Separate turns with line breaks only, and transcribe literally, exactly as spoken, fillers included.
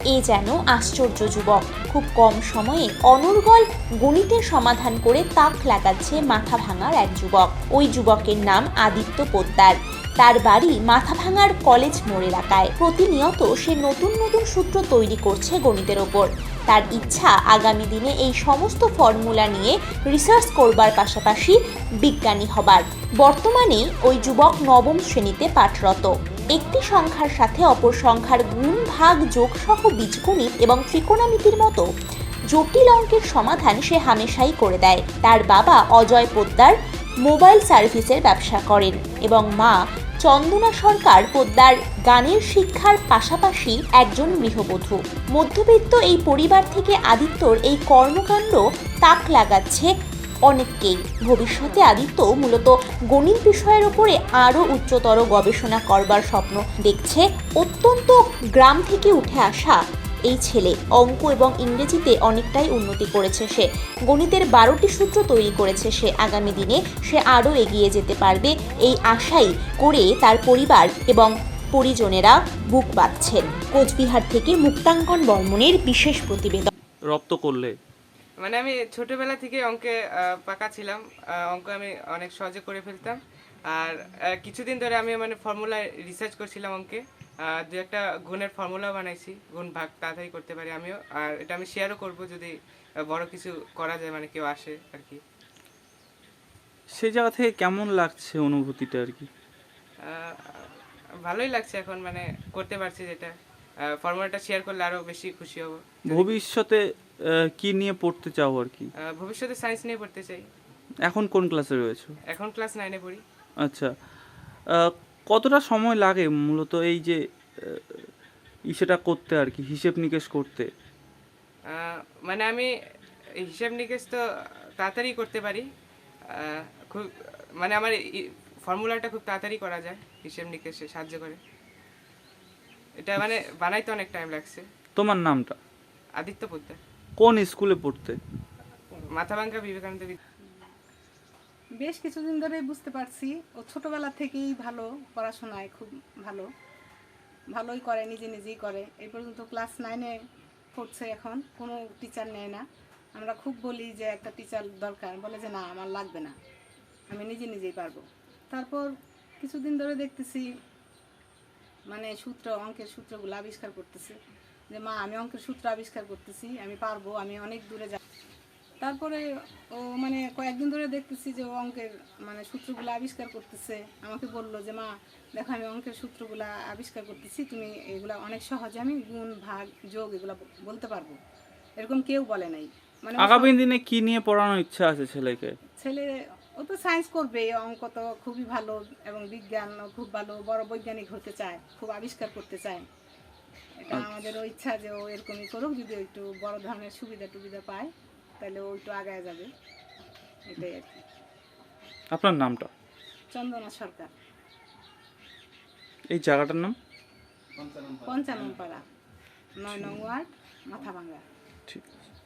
এ যেন আশ্চর্য যুবক, খুব কম সময়ে অনর্গল গণিতের সমাধান করে তাক লাগাচ্ছে মাথাভাঙার এক যুবক। ওই যুবকের নাম আদিত্য পোদ্দার। তার বাড়ি মাথাভাঙার কলেজ মোড় এলাকায়। প্রতিনিয়ত সে নতুন নতুন সূত্র তৈরি করছে গণিতের ওপর। তার ইচ্ছা আগামী দিনে এই সমস্ত ফর্মুলা নিয়ে রিসার্চ করবার পাশাপাশি বিজ্ঞানী হবার। বর্তমানে ওই যুবক নবম শ্রেণীতে পাঠরত। একটি সংখ্যার সাথে অপর সংখ্যার গুণ, ভাগ, যোগ সহ বীজগণিত এবং ত্রিকোণমিতির মতো জটিল অঙ্কের সমাধান সে হামেশাই করে দেয়। তার বাবা অজয় পোদ্দার মোবাইল সার্ভিসের ব্যবসা করেন এবং মা চন্দনা সরকার পোদ্দার গানের শিক্ষার পাশাপাশি একজন গৃহবধূ। মধ্যবিত্ত এই পরিবার থেকে আদিত্যর এই কর্মকাণ্ড তাক লাগাচ্ছে অনেককেই। ভবিষ্যতে আদিত্য মূলত গণিত বিষয়ের উপরে আরও উচ্চতর গবেষণা করবার স্বপ্ন দেখছে। অত্যন্ত গ্রাম থেকে উঠে আসা এই ছেলে অঙ্ক এবং ইংরেজিতে অনেকটাই উন্নতি করেছে সে। গণিতের বারোটি সূত্র তৈরি করেছে সে। আগামী দিনে সে আরও এগিয়ে যেতে পারবে এই আশাই করে তার পরিবার এবং পরিজনেরা বুক বাঁধছেন। কোচবিহার থেকে মুক্তাঙ্কন বর্মনের বিশেষ প্রতিবেদন।
রপ্ত করলে
মানে আমি ছোটবেলা থেকে অঙ্কে পাকা ছিলাম। অঙ্ক আমি অনেক সহজে করে ফেলতাম। আর কিছুদিন ধরে আমি মানে ফর্মুলা রিসার্চ করছিলাম অঙ্কে। দু একটা গুণের ফর্মুলা বানাইছি, গুণ ভাগ তাড়াতাড়ি করতে পারি আমিও। আর এটা আমি শেয়ারও করব যদি বড় কিছু করা যায়, মানে কেউ আসে আর কি।
সে জায়গা থেকে কেমন লাগছে অনুভূতিটা আর কি?
ভালোই লাগছে এখন, মানে করতে পারছি যেটা। ফর্মুলাটা শেয়ার করলে আরো বেশি খুশি হব।
ভবিষ্যতে কি নিয়ে পড়তে চাও আর কি?
ভবিষ্যতে সায়েন্স নিয়ে পড়তে চাই।
এখন কোন ক্লাসে রয়েছো?
এখন ক্লাস নাইনে পড়ি।
আচ্ছা, কতটা সময় লাগে মূলত এই যে ইসেটা করতে আর কি, হিসেব নিকেশ করতে?
মানে আমি হিসেব নিকেশ তো তাড়াতাড়ি করতে পারি। খুব মানে আমার ফর্মুলাটা খুব তাড়াতাড়ি করা যায়, হিসেব নিকেশে সাহায্য করে। এটা মানে বানাইতে অনেক টাইম লাগছে।
তোমার নামটা?
আদিত্য পোদ্দার।
কোন স্কুলে পড়তে?
মাথাভাঙ্গা বিবেকানন্দ।
বেশ কিছুদিন ধরে বুঝতে পারছি ও ছোটবেলা থেকেই ভালো পড়াশোনায়, খুব ভালো ভালোই করে, নিজে নিজেই করে। এই পর্যন্ত ক্লাস নাইনে পড়ছে এখন, কোনো টিচার নেয় না। আমরা খুব বলি যে একটা টিচার দরকার, বলে যে না আমার লাগবে না, আমি নিজে নিজেই পারবো। তারপর কিছুদিন ধরে দেখতেছি মানে সূত্র, অঙ্কের সূত্রগুলো আবিষ্কার করতেছে, যে মা আমি অঙ্কের সূত্র আবিষ্কার করতেছি, আমি পারবো, আমি অনেক দূরে যাব। তারপরে ও মানে কয়েকদিন ধরে দেখতেছি যে ও অঙ্কের মানে সূত্রগুলো আবিষ্কার করতেছে। আমাকে বললো যে মা দেখো আমি অঙ্কের সূত্রগুলো আবিষ্কার করতেছি, তুমি এগুলা অনেক সহজে আমি গুণ, ভাগ, যোগ এগুলো বলতে পারবো। এরকম কেউ বলে নাই। মানে
আগামী দিনে কি নিয়ে পড়ানোর ইচ্ছা আছে ছেলেকে?
ছেলে ও তো সায়েন্স করবে, অঙ্ক তো খুবই ভালো এবং বিজ্ঞান খুব ভালো, বড় বৈজ্ঞানিক হতে চায়, খুব আবিষ্কার করতে চায়। এটা আমাদেরও ইচ্ছা যে ও এরকমই করুক, যদি একটু বড় ধরনের সুবিধা টুবিধা পায় তাহলে ও একটু আগায় যাবে, এটাই আর কি।
আপনার নামটা?
চন্দনা সরকার।
এই জায়গাটার নাম?
পঞ্চানন পাড়া, নয় নং ওয়ার্ড, মাথাভাঙ্গা।
ঠিক।